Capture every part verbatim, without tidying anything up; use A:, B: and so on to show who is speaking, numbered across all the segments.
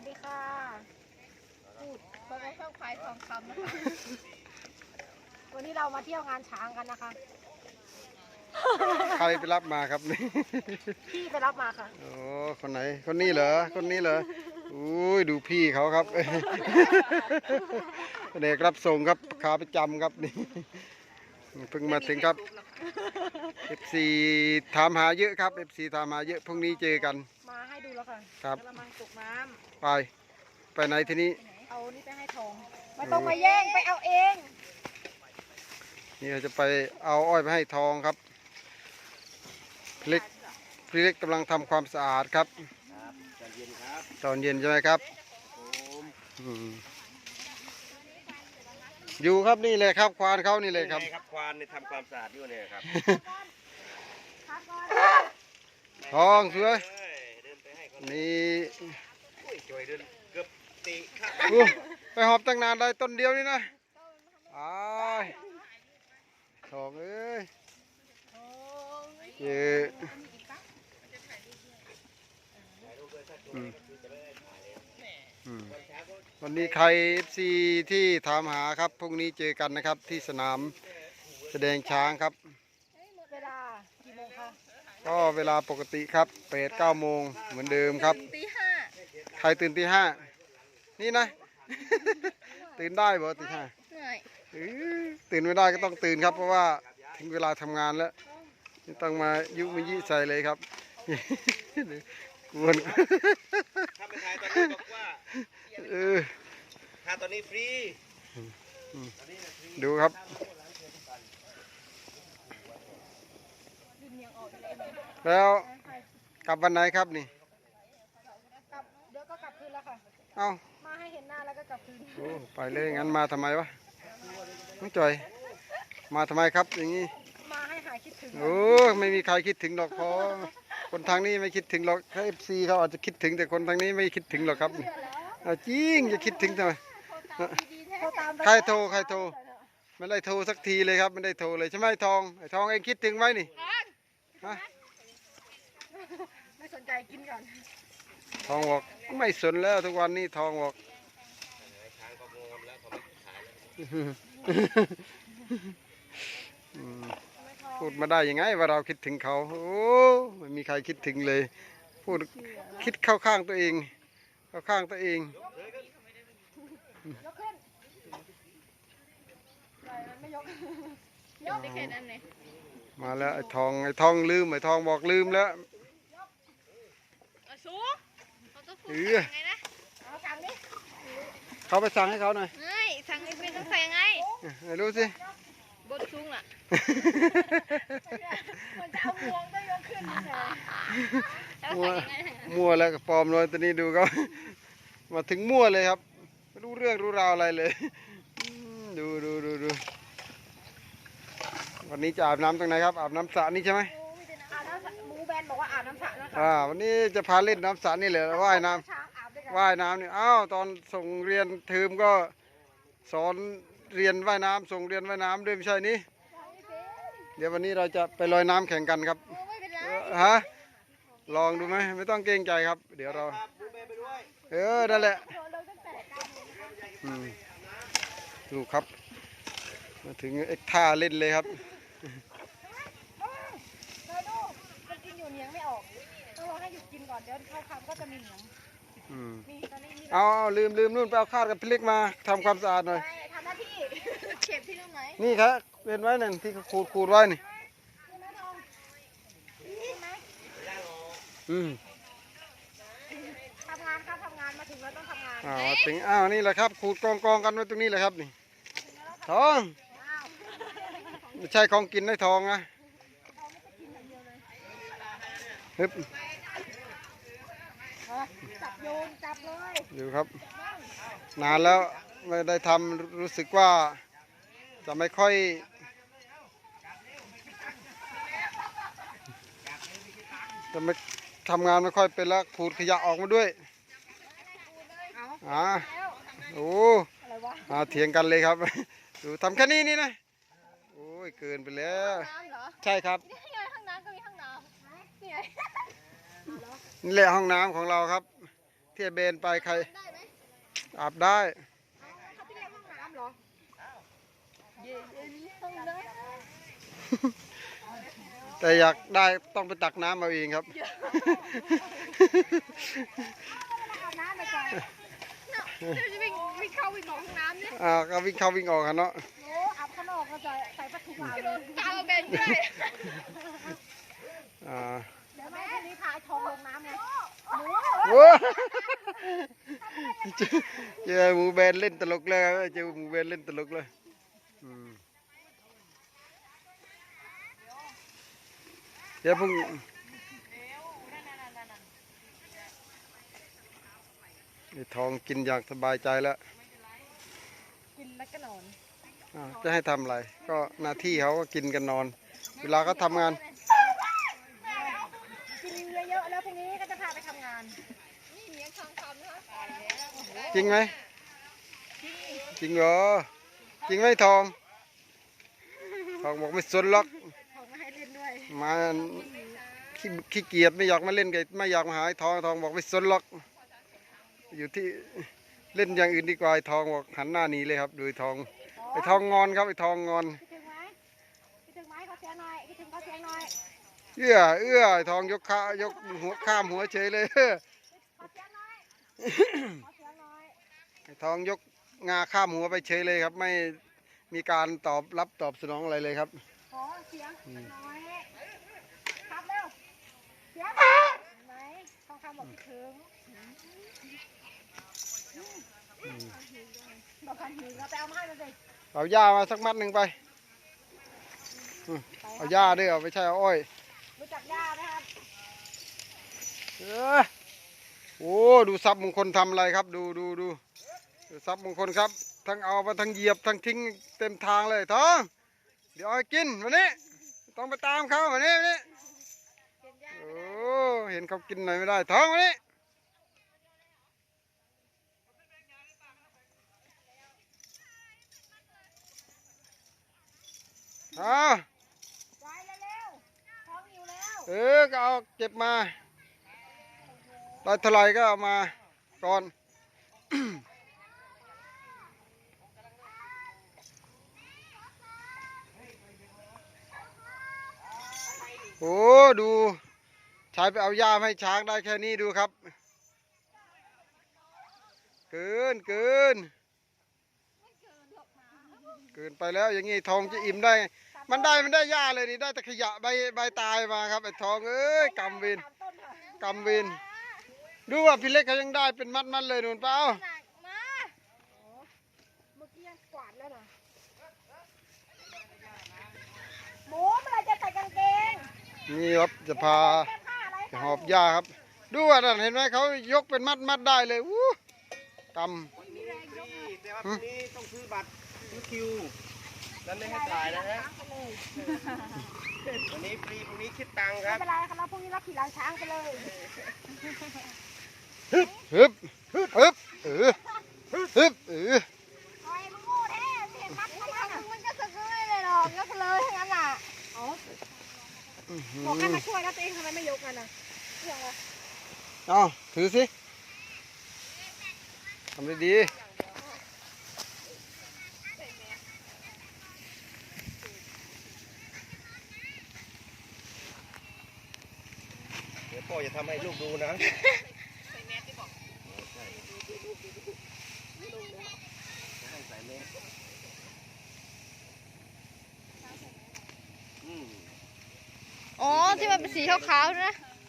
A: สดีค่ะพูดเพราะว่าชอบขายทองคำนะคะวันนี้เรามาเที่ยวงานช้างกันนะคะ
B: ใครไปรับมาครับนี่
A: พี่ไปรับมาค่ะ
B: โอ้คนไหนคนนี้เหรอคนนี้เหรออุ้ยดูพี่เขาครับเด็กรับส่งครับขาประจำครับนี่เพิ่งมาถึงครับ เอฟ ซี ถามหาเยอะครับ เอฟ ซี ถามหาเยอะพรุ่งนี้เจอกัน
A: มาให้ดูแล้วค่ะ
B: ครับ
A: กระมังตกน้
B: ไปไปไหนทีนี้
A: เอานี่ไปให้ทองไม่ต้องมาแย่งไปเอาเอง
B: นี่เราจะไปเอาอ้อยไปให้ทองครับพี่เล็กพี่เล็กกำลังทำความสะอาดครับตอนเย็นครับตอนเย็นใช่ไหมครับอยู่ครับนี่เลยครับควานเขานี่เลยครับ
C: ครับควานในทำความสะอาดอยู่เนี่ยครับ
B: ทองสวยนี่
C: จอยเดินเกือบตีข้า
B: ไปหอบตั้งนานได้ต้นเดียวนี่นะอ้ายทองเอ้ยเจอวันนี้ใคร เอฟ ซี ที่ถามหาครับพรุ่งนี้เจอกันนะครับที่สนามแสดงช้างครับ
A: เวลากี่โมงคะ
B: ก็เวลาปกติครับแปดเก้าโมงเหมือนเดิมครับ
A: ตีห้า
B: ใครตื่นตีห้านี่นะ ตื่นได้บ่ตีห้าตื่นไม่ได้ก็ต้องตื่นครับเพราะว่าถึงเวลาทำงานแล้วต้องมายุมายี่ใส่เลยครับกวน
C: ถ้าไม่ถ่ายตอนนี้บอกว่า
B: เออ
C: ถ่ายตอนนี้ฟรี
B: ดูครับแล้วกลับวันไหนครับนี่
A: กลับเดี๋ยวก็กลับคืนแล้วค่ะ
B: เอา
A: มาให้เห็นหน้าแล้วก็กลับคืน
B: โอ้ไปเลยงั้นมาทำไมวะน้องจอยมาทำไมครับอย่างนี้
A: มาให้หายคิดถึง
B: โอ้ไม่มีใครคิดถึงหรอกพอคนทางนี้ไม่คิดถึงหรอกถ้าเอฟซีเขาอาจจะคิดถึงแต่คนทางนี้ไม่คิดถึงหรอกครับจริงจะคิดถึงทำไมใครโทรใครโทรไม่ได้โทรสักทีเลยครับไม่ได้โทรเลยใช่ไหมทองไอ้ทองเองคิดถึงไหมนี่ฮะ
A: ไม่สนใจกินก่อน
B: ทองบอกไม่สนแล้วทุกวันนี้ทองบอกพูดมาได้ยังไงว่าเราคิดถึงเขาโอ้ไม่มีใครคิดถึงเลยพูดคิดเข้าข้างตัวเองเข้าข้างตัวเอง
A: ยกขึ้นไม่ยกยกได้แค่นั้นเลย
B: มาแล้วไอ้ทองไอ้ทองลืมไอ้ทองบอกลืมแล้ว
A: สู
B: เออเขาไปสั่งให้เขาหน่อย
A: ไม่สั่งไอ้เป็นต้องใส่ไง
B: ไม่รู้สิ
A: บนสูงอ่ะมันจะเอามวงได้ยกขึ้น
B: มัวมัวแล้วกับปลอมเลยตอนนี้ดูเขามาถึงมั่วเลยครับไม่รู้เรื่องรู้ราวอะไรเลยดูดูดูดูวันนี้จะอาบน้ำตรงไหนครับอาบน้ำสระนี่ใช่ไหม
A: อาบน้ำหมูแบนบอกว่าอาบน้ำสระนะคะ
B: อ่าวันนี้จะพาเล่นน้ำสระนี่เลยว่ายน้ำว่ายน้ำนี่อ้าวตอนส่งเรียนเทอมก็สอนเรียนว่ายน้ำส่งเรียนว่ายน้ำด้วยไม่ใช่นี่เดี๋ยววันนี้เราจะไปลอยน้ำแข่งกันครับฮะลองดูไหมไม่ต้องเกรงใจครับเดี๋ยวเราเออนั่นแหละดูครับมาถึงเอ็กท่าเล่นเลยครับ
A: เราดูมันกินอยู่เนียงไม่ออกต้องรอให้หยุดกินก่อนเดี๋ยวเข้าคำก็จะมีเหนียง
B: เอาลืมลืมนู่นไปเอาข้าวกับพี่เล็กมาทำความสะอาดหน่อย
A: ทำหน้าที่เก็บที่ตรงไหน
B: นี่ครับเป็นไว้หนึ่งที่ขูดขูดไว้นี่อืม
A: ทำงานครับทำงานมาถึงแล้วต้องทำงาน
B: อ้าวถึงอ้าวนี่แหละครับขูดกองกองกันไว้ตรงนี้แหละครับนี่ทองไม่ใช่ของกินได้ทองนะฮึบ
A: จับโยนจับเลย
B: ดูครับนานแล้วไม่ได้ทำรู้สึกว่าจะไม่ค่อยจะไม่ทำงานไม่ค่อยเป็นแล้วขูดขยะออกมาด้วยอ่าโอ้อาเถียงกันเลยครับดูทำแค่นี้นี่นะโอ้ยเกินไปแล้วใช่ครับ
A: นี่ไงห้องน้ำก็มีห้องน้ำนี่ไง
B: นี่แหละห้องน้ำของเราครับ ที่ที่เบนไปใคร
A: ได้ไหม
B: อาบได้
A: เอาเขาไปเรียกห้องน้ำเหรอเย็นห้องน้
B: แต่อยากได้ต้องไปตักน้ำเอาเองครับ
A: ำอาบน้ำไปก่อนเนาะเดี๋ยวจะวิ่งวิ่งเข้าวิ่งออกห้องน้ำเนี่ย
B: อ่าก็วิ่งเข้าวิ่งออกกันเนาะ
A: โอ้อาบข้างนอกก็จะใส่ผ้าถุงอาบเลยกาวเบนด้วย
B: อ่า
A: เดี๋ยวแม่คนนี้พาไอ้ทองลงน้ำไงหมู
B: โว้เจอเจอหมูเบนเล่นตลกเลยครับเจอหมูเบนเล่นตลกเลยอืมเดี๋ยวพรุ่งไอ้ทองกินอย่างสบายใจแล้ว
A: กินแล้วก็นอน
B: อ่าจะให้ทำอะไร ก็หน้าที่เขาก็กินกันนอน เวลาเขาทำงาน
A: กินเยอะๆแล้วพรุ่งนี้ก็จะพาไปทำงานนี่เลี้ยงทองคำนะคะ
B: จริงไหมจริงเหรอจริงไหมทองทองบอกไม่สนหรอก
A: ทองมาให้เล่นด้วย
B: มาขี้ขี้เกียจไม่อยากมาเล่นกับไม่อยากมาหาไอ้ทองทองบอกไม่สนหรอกอยู่ที่เล่นอย่างอื่นดีกว่าไอ้ทองบอกหันหน้าหนีเลยครับดูไอ้ทองไอ้ทองงอนครับไอ้ทองงอน
A: คิดถึงไหมคิดถึงไหมเขาเสียงหน่อยคิดถึงเขาเสียงหน่อย
B: เอื้อเอื้อไอ้ทองยกขายกหัวข้ามหัวเฉยเลย
A: ขอเสียงหน่อยขอเสียงหน่อย
B: ไอ้ทองยกงาข้ามหัวไปเฉยเลยครับ ไม่มีการตอบรับตอบสนองอะไรเลยครับ
A: ขอเสียงหน่อยครับเร็วเสียงไหนทองคำบอกคิดถึงบอกคันหิวเราไปเอามาให้มันสิ
B: เอาหญ้ามาสักมัดหนึ่งไปอืมเอาหญ้าด้วยเอาไม่ใช่เอาอ้อย
A: รู้จักย่าไหมครับ
B: เออโอ้ดูทรัพย์มงคลทำอะไรครับ ดูดูดูดูทรัพย์มงคลครับ ทั้งเอามาทั้งเหยียบทั้งทิ้งเต็มทางเลยท้องเดี๋ยวเอาให้กินวันนี้ต้องไปตามเขาวันนี้วันนี้
A: เก็บย่า
B: โอ้เห็นเขากินหน่อยไม่ได้ท้องวันนี้เอา
A: ไว้เร็วๆท้องหิวแล้ว
B: เออก็เอาเก็บมาได้เท่าไหร่ก็เอามาก่อน โอ้ดูชายไปเอาหญ้ามาให้ช้างได้แค่นี้ดูครับ เกินเกินเกินไปแล้วอย่างงี้ทองจะอิ่มได้ไงมันได้มันได้หญ้าเลยนี่ได้แต่ขยะใบใบตายมาครับไอ้ทองเอ้ยกำเวิน
A: สามต้นค่ะ
B: กำเวินดูว่าพี่เล็กเขายังได้เป็นมัดมัดๆเลยนู่นเปล่า
A: หนักมาเมื่อกี้ยังกวาดแล้วนะหมูเมื่อไหรจะใส่กางเกง
B: นี่ครับจะพา
A: เสื้อผ้าอะไร
B: จะหอบหญ้าครับ ดูว่านั่นเห็นไหมเขายกเป็นมัดมัดๆได้เลยวู้ก
C: แต่ว่าพรุ่งนี้ต้องซื้อบัตรซื้อคิวนั้นไม่ให้จ่ายนะฮะวันนี้ฟรีพรุ่งนี้คิดตังค์ค
A: ไม่
C: รับ
A: เป็นไรครับเราพรุ่งนี้เราขี่หลังช้างไปเลย
B: ำฮึบฮึบเออฮึบเออ
A: โอ้ยมึงโง่แท้ไม่เห็นมัดมันอ่ะมันก็สึกเลยเลยหรอกยกเลยทั้งนั้นอ่ะอ๋อบอกให้มาช่วยแล้วตัวเองทำไมไม่ยกกันอ่ะเรื่องอะไร
B: เอาถือสิทำได้ดี
C: เดี๋ยวพ่อจะทำให้ลูกดูนะอืม
A: อ๋อที่มันเป็นสีขาวๆนะ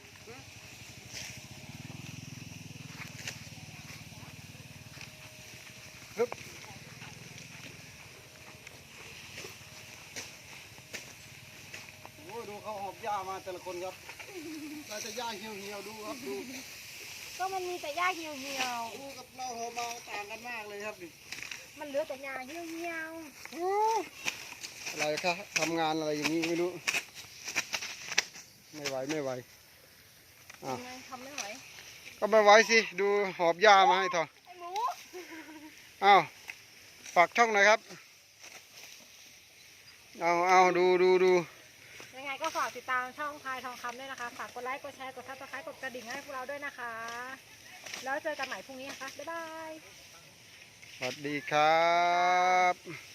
B: โอ้ดูเขาหอบหญ้ามาแต่ละคนครับได้แต่หญ้าเหี่ยวเหี่ยวๆดูครับดู
A: ก็มันมีแต่หญ้าเหี่ยวเหี่ยว
B: ดูกับเราหอบมาต่างกันมากเลยครับนี่
A: ๆมันเหลือแต่หญ้าเหี่ยวเหี่ยว
B: อะไรครับทำงานอะไรอย่างนี้ไม่รู้ ไม่ไหวไม่ไหว
A: ๆยังไงทำไม่ไหว
B: ก็ไม่ไหวสิดูหอบหญ้ามาให้ทอง
A: ไอ้หมู
B: อ้าวฝากช่องหน่อยครับเอาเอาดูดูดู
A: ยังไงก็ฝากติดตามช่องพายทองคำด้วยนะคะ ฝากกดไลค์ กดแชร์ กดซับสไครต์กดกระดิ่งให้พวกเราด้วยนะคะแล้วเจอกันใหม่พรุ่งนี้นะคะบ๊ายบาย
B: สวัสดีครับ